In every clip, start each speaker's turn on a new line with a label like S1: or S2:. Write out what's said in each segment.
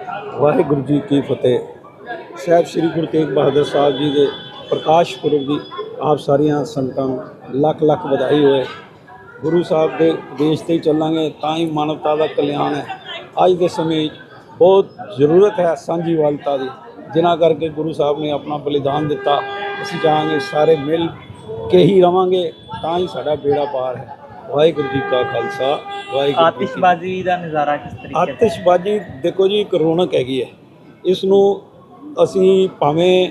S1: ਵਾਹਿਗੁਰੂ ਜੀ ਕੀ ਫਤਿਹ। ਸਾਹਿਬ ਸ੍ਰੀ ਗੁਰੂ ਤੇਗ ਬਹਾਦਰ ਸਾਹਿਬ ਜੀ ਦੇ ਪ੍ਰਕਾਸ਼ ਪੁਰਬ ਦੀ ਆਪ ਸਾਰੀਆਂ ਸੰਗਤਾਂ ਨੂੰ ਲੱਖ ਲੱਖ ਵਧਾਈ ਹੋਏ। ਗੁਰੂ ਸਾਹਿਬ ਦੇ ਉਪਦੇਸ਼ 'ਤੇ ਚੱਲਾਂਗੇ ਤਾਂ ਹੀ ਮਾਨਵਤਾ ਦਾ ਕਲਿਆਣ ਹੈ। ਅੱਜ ਦੇ ਸਮੇਂ 'ਚ ਬਹੁਤ ਜ਼ਰੂਰਤ ਹੈ ਸਾਂਝੀਵਾਲਤਾ ਦੀ, ਜਿਨ੍ਹਾਂ ਕਰਕੇ ਗੁਰੂ ਸਾਹਿਬ ਨੇ ਆਪਣਾ ਬਲੀਦਾਨ ਦਿੱਤਾ। ਅਸੀਂ ਚਾਹਾਂਗੇ ਸਾਰੇ ਮਿਲ ਕੇ ਹੀ ਰਵਾਂਗੇ ਤਾਂ ਹੀ ਸਾਡਾ ਬੇੜਾ ਪਾਰ ਹੈ। ਵਾਹਿਗੁਰੂ ਜੀ ਕਾ ਖਾਲਸਾ, ਵਾਹਿਗੁਰੂ।
S2: ਆਤਿਸ਼ਬਾਜ਼ੀ ਦਾ ਨਜ਼ਾਰਾ ਕਿਸ ਤਰੀਕੇ?
S1: ਆਤਿਸ਼ਬਾਜ਼ੀ ਦੇਖੋ ਜੀ, ਇੱਕ ਰੌਣਕ ਹੈਗੀ ਹੈ। ਇਸ ਨੂੰ ਅਸੀਂ ਭਾਵੇਂ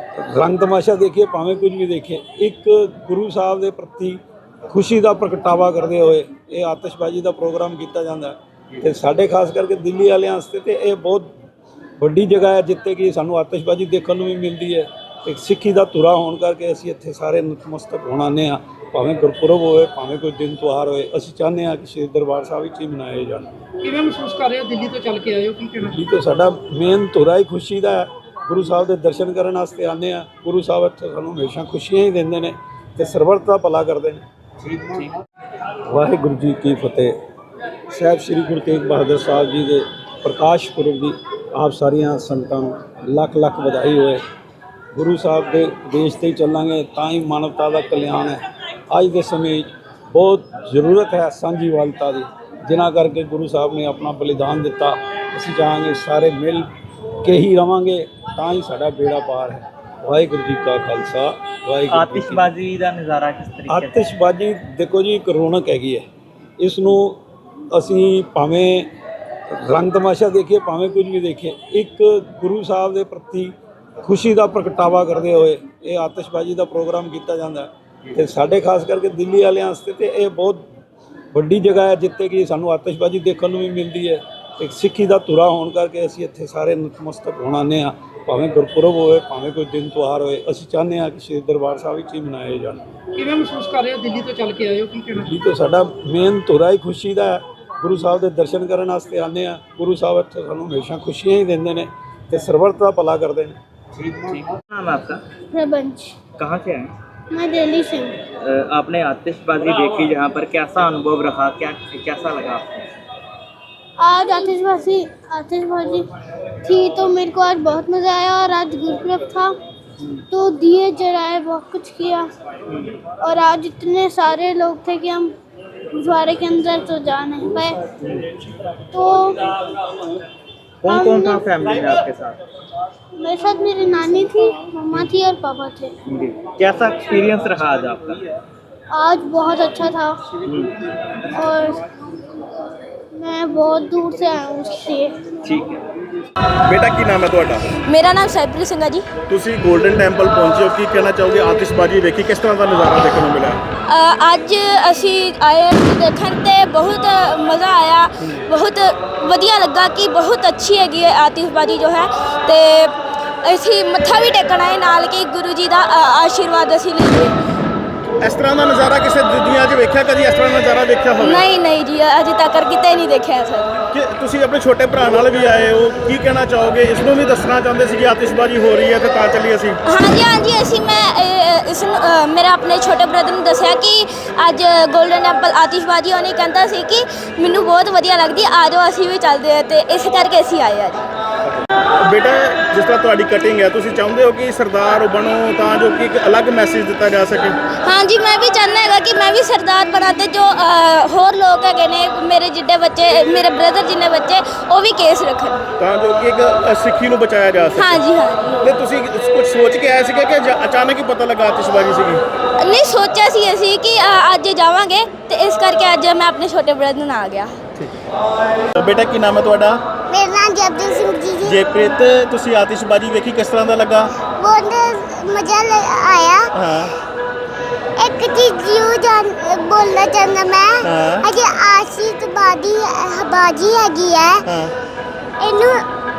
S1: ਰੰਗ ਤਮਾਸ਼ਾ ਦੇਖੀਏ, ਭਾਵੇਂ ਕੁਝ ਵੀ ਦੇਖੀਏ, ਇੱਕ ਗੁਰੂ ਸਾਹਿਬ ਦੇ ਪ੍ਰਤੀ ਖੁਸ਼ੀ ਦਾ ਪ੍ਰਗਟਾਵਾ ਕਰਦੇ ਹੋਏ ਇਹ ਆਤਿਸ਼ਬਾਜ਼ੀ ਦਾ ਪ੍ਰੋਗਰਾਮ ਕੀਤਾ ਜਾਂਦਾ ਹੈ। ਅਤੇ ਸਾਡੇ ਖਾਸ ਕਰਕੇ ਦਿੱਲੀ ਵਾਲਿਆਂ ਵਾਸਤੇ ਤਾਂ ਇਹ ਬਹੁਤ ਵੱਡੀ ਜਗ੍ਹਾ ਹੈ ਜਿੱਥੇ ਕਿ ਸਾਨੂੰ ਆਤਿਸ਼ਬਾਜ਼ੀ ਦੇਖਣ ਨੂੰ ਵੀ ਮਿਲਦੀ ਹੈ। ਅਤੇ ਸਿੱਖੀ ਦਾ ਧੁਰਾ ਹੋਣ ਕਰਕੇ ਅਸੀਂ ਇੱਥੇ ਸਾਰੇ ਨਤਮਸਤਕ ਹੋਣ ਆਉਂਦੇ ਹਾਂ। ਭਾਵੇਂ ਗੁਰਪੁਰਬ ਹੋਵੇ, ਭਾਵੇਂ ਕੋਈ ਦਿਨ ਤਿਉਹਾਰ ਹੋਏ, ਅਸੀਂ ਚਾਹੁੰਦੇ ਹਾਂ ਕਿ ਸ਼੍ਰੀ ਦਰਬਾਰ ਸਾਹਿਬ ਵਿੱਚ ਹੀ ਮਨਾਏ ਜਾਣ।
S3: ਕਿਵੇਂ ਮਹਿਸੂਸ ਕਰ ਰਹੇ ਹੋ? ਦਿੱਲੀ ਤੋਂ ਚੱਲ ਕੇ ਆਏ ਹੋ, ਕੀ ਕਹਿਣਾ?
S1: ਦਿੱਲੀ ਤੋਂ ਸਾਡਾ ਮੇਨ ਧੁਰਾ ਹੀ ਖੁਸ਼ੀ ਦਾ ਹੈ। ਗੁਰੂ ਸਾਹਿਬ ਦੇ ਦਰਸ਼ਨ ਕਰਨ ਵਾਸਤੇ ਆਉਂਦੇ ਹਾਂ। ਗੁਰੂ ਸਾਹਿਬ ਇੱਥੇ ਸਾਨੂੰ ਹਮੇਸ਼ਾ ਖੁਸ਼ੀਆਂ ਹੀ ਦਿੰਦੇ ਨੇ ਅਤੇ ਸਰਬੱਤ ਦਾ ਭਲਾ ਕਰਦੇ ਨੇ। ਵਾਹਿਗੁਰੂ ਜੀ ਕੀ ਫਤਿਹ। ਸਾਹਿਬ ਸ੍ਰੀ ਗੁਰੂ ਤੇਗ ਬਹਾਦਰ ਸਾਹਿਬ ਜੀ ਦੇ ਪ੍ਰਕਾਸ਼ ਪੁਰਬ ਦੀ ਆਪ ਸਾਰੀਆਂ ਸੰਗਤਾਂ ਨੂੰ ਲੱਖ ਲੱਖ ਵਧਾਈ ਹੋਏ। ਗੁਰੂ ਸਾਹਿਬ ਦੇ ਉਪਦੇਸ਼ 'ਤੇ ਚੱਲਾਂਗੇ ਤਾਂ ਹੀ ਮਾਨਵਤਾ ਦਾ ਕਲਿਆਣ ਹੈ। ਅੱਜ ਦੇ ਸਮੇਂ 'ਚ ਬਹੁਤ ਜ਼ਰੂਰਤ ਹੈ ਸਾਂਝੀਵਾਲਤਾ ਦੀ, ਜਿਨ੍ਹਾਂ ਕਰਕੇ ਗੁਰੂ ਸਾਹਿਬ ਨੇ ਆਪਣਾ ਬਲੀਦਾਨ ਦਿੱਤਾ। ਅਸੀਂ ਚਾਹਾਂਗੇ ਸਾਰੇ ਮਿਲ ਕੇ ਹੀ ਰਵਾਂਗੇ ਤਾਂ ਹੀ ਸਾਡਾ ਬੇੜਾ ਪਾਰ ਹੈ। ਵਾਹਿਗੁਰੂ ਜੀ ਕਾ ਖਾਲਸਾ, ਵਾਹਿਗੁਰੂ।
S2: ਆਤਿਸ਼ਬਾਜ਼ੀ ਦਾ ਨਜ਼ਾਰਾ ਕਿਸ ਤਰੀਕੇ?
S1: ਆਤਿਸ਼ਬਾਜ਼ੀ ਦੇਖੋ ਜੀ, ਇੱਕ ਰੌਣਕ ਹੈਗੀ ਹੈ। ਇਸ ਨੂੰ ਅਸੀਂ ਭਾਵੇਂ ਰੰਗ ਤਮਾਸ਼ਾ ਦੇਖੀਏ, ਭਾਵੇਂ ਕੁਝ ਵੀ ਦੇਖੀਏ, ਇੱਕ ਗੁਰੂ ਸਾਹਿਬ ਦੇ ਪ੍ਰਤੀ ਖੁਸ਼ੀ ਦਾ ਪ੍ਰਗਟਾਵਾ ਕਰਦੇ ਹੋਏ ਇਹ ਆਤਿਸ਼ਬਾਜ਼ੀ ਦਾ ਪ੍ਰੋਗਰਾਮ ਕੀਤਾ ਜਾਂਦਾ ਹੈ। ਅਤੇ ਸਾਡੇ ਖਾਸ ਕਰਕੇ ਦਿੱਲੀ ਵਾਲਿਆਂ ਵਾਸਤੇ ਤਾਂ ਇਹ ਬਹੁਤ ਵੱਡੀ ਜਗ੍ਹਾ ਹੈ ਜਿੱਥੇ ਕਿ ਸਾਨੂੰ ਆਤਿਸ਼ਬਾਜ਼ੀ ਦੇਖਣ ਨੂੰ ਵੀ ਮਿਲਦੀ ਹੈ। ਅਤੇ ਸਿੱਖੀ ਦਾ ਧੁਰਾ ਹੋਣ ਕਰਕੇ ਅਸੀਂ ਇੱਥੇ ਸਾਰੇ ਨਤਮਸਤਕ ਹੋਣ ਆਉਂਦੇ ਹਾਂ। ਭਾਵੇਂ ਗੁਰਪੁਰਬ ਹੋਵੇ, ਭਾਵੇਂ ਕੋਈ ਦਿਨ ਤਿਉਹਾਰ ਹੋਏ, ਅਸੀਂ ਚਾਹੁੰਦੇ ਹਾਂ ਕਿ ਸ਼੍ਰੀ ਦਰਬਾਰ ਸਾਹਿਬ ਵਿੱਚ ਹੀ ਮਨਾਏ ਜਾਣ।
S3: ਕਿਵੇਂ ਮਹਿਸੂਸ ਕਰ ਰਹੇ ਹੋ? ਦਿੱਲੀ ਤੋਂ ਚੱਲ ਕੇ ਆਏ ਹੋ, ਕੀ ਕਹਿਣਾ?
S1: ਦਿੱਲੀ ਤੋਂ ਸਾਡਾ ਮੇਨ ਧੁਰਾ ਹੀ ਖੁਸ਼ੀ ਦਾ ਹੈ। ਗੁਰੂ ਸਾਹਿਬ ਦੇ ਦਰਸ਼ਨ ਕਰਨ ਵਾਸਤੇ ਆਉਂਦੇ ਹਾਂ। ਗੁਰੂ ਸਾਹਿਬ ਇੱਥੇ ਸਾਨੂੰ ਹਮੇਸ਼ਾ ਖੁਸ਼ੀਆਂ ਹੀ ਦਿੰਦੇ ਨੇ ਅਤੇ ਸਰਬੱਤ ਦਾ ਭਲਾ ਕਰਦੇ ਨੇ।
S2: नाम है आपका?
S4: प्रबंच।
S2: कहाँ से आए?
S4: मैं दिल्ली से हूँ।
S2: आपने आतिशबाजी देखी जहाँ पर, कैसा अनुभव रहा? कैसा लगा आपको?
S4: आज आतिशबाजी थी तो मेरे को आज बहुत मज़ा आया। और आज गुरुपुरब था तो दिए जलाए, बहुत कुछ किया। और आज इतने सारे लोग थे कि हम गुरुद्वारे के अंदर तो जा नहीं पाए। तो
S2: कौन कौन था फैमिली में आपके साथ?
S4: मेरे साथ मेरी नानी थी, मम्मा थी और पापा थे।
S2: कैसा एक्सपीरियंस रहा आज आपका?
S4: आज बहुत अच्छा था और मैं बहुत दूर से आया हूँ इसलिए।
S2: ठीक है।
S5: बेटा की नाम है ਤੁਹਾਡਾ?
S4: मेरा नाम साइप्रिस सिंह है जी।
S5: ਤੁਸੀਂ ਗੋਲਡਨ ਟੈਂਪਲ ਪਹੁੰਚੇ ਹੋ, ਕੀ ਕਹਿਣਾ ਚਾਹੋਗੇ? ਆਤਿਸ਼ਬਾਜ਼ੀ ਵੇਖੀ, ਕਿਸ ਤਰ੍ਹਾਂ ਦਾ ਨਜ਼ਾਰਾ ਦੇਖਣ ਨੂੰ ਮਿਲਿਆ?
S4: ਅੱਜ ਅਸੀਂ ਆਏ ਦੇਖਣ ਤੇ ਬਹੁਤ ਮਜ਼ਾ ਆਇਆ। ਬਹੁਤ ਵਧੀਆ ਲੱਗਾ ਕਿ ਬਹੁਤ ਅੱਛੀ ਹੈਗੀ ਹੈ ਆਤਿਸ਼ਬਾਜ਼ੀ ਜੋ ਹੈ। ਤੇ ਅਸੀਂ ਮੱਥਾ ਵੀ ਟੇਕਣ ਆਏ ਨਾਲ ਕਿ ਗੁਰੂ ਜੀ ਦਾ ਆਸ਼ੀਰਵਾਦ ਅਸੀਂ ਲਈਏ।
S5: ਇਸ ਤਰ੍ਹਾਂ ਦਾ ਨਜ਼ਾਰਾ ਕਿਸੇ ਦੁਨੀਆ 'ਚ ਵੇਖਿਆ? ਕਦੀ ਇਸ ਤਰ੍ਹਾਂ ਦਾ ਨਜ਼ਾਰਾ ਦੇਖਿਆ ਹੋਵੇ?
S4: ਨਹੀਂ ਜੀ, ਅਜੇ ਤੱਕ ਕਿਤੇ ਨਹੀਂ ਦੇਖਿਆ ਸਰ।
S5: ਕਿ ਤੁਸੀਂ ਆਪਣੇ ਛੋਟੇ ਭਰਾ ਨਾਲ ਵੀ ਆਏ ਹੋ, ਕੀ ਕਹਿਣਾ ਚਾਹੋਗੇ? ਇਸ ਨੂੰ ਵੀ ਦੱਸਣਾ ਚਾਹੁੰਦੇ ਸੀ ਕਿ ਆਤਿਸ਼ਬਾਜ਼ੀ ਹੋ ਰਹੀ ਹੈ ਤੇ ਤਾਂ ਚੱਲੀ ਅਸੀਂ?
S4: ਹਾਂਜੀ ਅਸੀਂ ਇਸ ਨੂੰ ਮੇਰੇ ਆਪਣੇ ਛੋਟੇ ਬ੍ਰਦਰ ਨੂੰ ਦੱਸਿਆ ਕਿ ਅੱਜ ਗੋਲਡਨ ਟੈਂਪਲ ਆਤਿਸ਼ਬਾਜ਼ੀ ਹੋਣੀ। ਕਹਿੰਦਾ ਸੀ ਕਿ ਮੈਨੂੰ ਬਹੁਤ ਵਧੀਆ ਲੱਗਦੀ, ਆ ਜਾਓ ਅਸੀਂ ਵੀ ਚੱਲਦੇ ਹਾਂ। ਅਤੇ ਇਸ ਕਰਕੇ ਅਸੀਂ ਆਏ ਅੱਜ।
S5: ਬੇਟਾ, ਜਿਸ ਤਰ੍ਹਾਂ ਤੁਹਾਡੀ ਕਟਿੰਗ ਹੈ, ਤੁਸੀਂ ਚਾਹੁੰਦੇ ਹੋ ਕਿ ਸਰਦਾਰ ਬਣੋ ਤਾਂ ਜੋ ਕਿ ਇੱਕ ਅਲੱਗ ਮੈਸੇਜ ਦਿੱਤਾ ਜਾ ਸਕੇ?
S4: ਹਾਂਜੀ, ਮੈਂ ਵੀ ਚਾਹੁੰਦਾ ਹੈਗਾ ਕਿ ਮੈਂ ਵੀ ਸਰਦਾਰ ਬਣਾ ਅਤੇ ਜੋ ਹੋਰ ਲੋਕ ਹੈਗੇ ਨੇ ਮੇਰੇ ਜਿੱਡੇ ਬੱਚੇ, ਮੇਰੇ ਬ੍ਰਦਰ ਜਿੰਨੇ ਬੱਚੇ, ਉਹ ਵੀ ਕੇਸ ਰੱਖਣ
S5: ਤਾਂ ਜੋ ਕਿ ਇੱਕ ਸਿੱਖੀ ਨੂੰ ਬਚਾਇਆ ਜਾ ਸਕੇ।
S4: ਹਾਂਜੀ
S5: ਤੇ ਤੁਸੀਂ ਕੁਝ ਸੋਚ ਕੇ ਆਏ ਸੀਗੇ ਕਿ ਅਚਾਨਕ ਹੀ ਪਤਾ ਲੱਗਾ ਆਤਿਸ਼ਬਾਜ਼ੀ ਸੀਗੀ?
S4: ਨਹੀਂ, ਸੋਚਿਆ ਸੀ ਅਸੀਂ ਕਿ ਅੱਜ ਜਾਵਾਂਗੇ ਅਤੇ ਇਸ ਕਰਕੇ ਅੱਜ ਮੈਂ ਆਪਣੇ ਛੋਟੇ ਬ੍ਰਦਰ ਨਾਲ ਆ ਗਿਆ।
S5: ਬੇਟਾ ਕੀ ਨਾਮ ਹੈ ਤੁਹਾਡਾ?
S4: ਮੇਰਾ ਨਾਮ ਜਪਜੀਤ ਸਿੰਘ ਜੀ।
S5: ਜੇਪ੍ਰੀਤ, ਤੁਸੀਂ ਆਤਿਸ਼ਬਾਜ਼ੀ ਵੇਖੀ, ਕਿਸ ਤਰ੍ਹਾਂ ਦਾ ਲੱਗਾ?
S4: ਬਹੁਤ ਮਜ਼ਾ ਆਇਆ।
S5: ਹਾਂ,
S4: ਇੱਕ ਚੀਜ਼ ਜ਼ਰੂਰ ਬੋਲਣਾ ਚਾਹੁੰਦਾ ਮੈਂ। ਅਜੇ ਆਤਿਸ਼ਬਾਜ਼ੀ ਹੈਗੀ ਹੈ, ਇਹਨੂੰ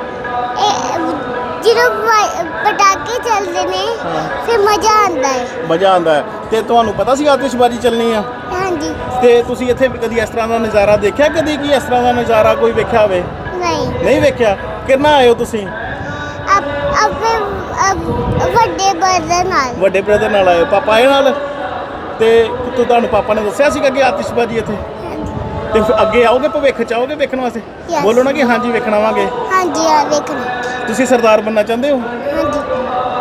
S4: ਜਦੋਂ ਪਟਾਕੇ ਚੱਲਦੇ ਨੇ ਫਿਰ ਮਜ਼ਾ ਆਉਂਦਾ ਹੈ।
S5: ਮਜ਼ਾ ਆਉਂਦਾ ਹੈ। ਤੇ ਤੁਹਾਨੂੰ ਪਤਾ ਸੀ ਆਤਿਸ਼ਬਾਜ਼ੀ ਚੱਲਣੀ ਆ?
S4: ਹਾਂਜੀ।
S5: ਤੇ ਤੁਸੀਂ ਇੱਥੇ ਕਦੀ ਇਸ ਤਰ੍ਹਾਂ ਦਾ ਨਜ਼ਾਰਾ ਦੇਖਿਆ? ਕਦੀ ਕੀ ਇਸ ਤਰ੍ਹਾਂ ਦਾ ਨਜ਼ਾਰਾ ਕੋਈ ਵੇਖਿਆ ਹੋਵੇ? ਨਹੀਂ ਵੇਖਿਆ। ਕਿੰਨਾ ਆਏ ਹੋ ਤੁਸੀਂ?
S4: ਆਪਣੇ ਵੱਡੇ ਬ੍ਰਦਰ ਨਾਲ।
S5: ਵੱਡੇ ਬ੍ਰਦਰ ਨਾਲ ਆਏ ਹੋ? ਪਾਪਾ ਆਏ ਨਾਲ? ਤੇ ਤੁਹਾਨੂੰ ਪਾਪਾ ਨੇ ਦੱਸਿਆ ਸੀਗਾ ਕਿ ਆਤਿਸ਼ਬਾਜ਼ੀ ਇੱਥੇ? ਤੇ ਫਿਰ ਅੱਗੇ ਆਓਗੇ ਭਵਿੱਖ ਚ ਆਓਗੇ ਵੇਖਣ ਵਾਸਤੇ? ਬੋਲੋ ਨਾ ਕਿ ਹਾਂਜੀ ਵੇਖਣ ਆਵਾਂਗੇ।
S4: ਹਾਂਜੀ ਆ ਵੇਖਣਾ
S5: ਤੁਸੀਂ ਸਰਦਾਰ ਬਣਨਾ ਚਾਹੁੰਦੇ ਹੋ?
S4: ਹਾਂਜੀ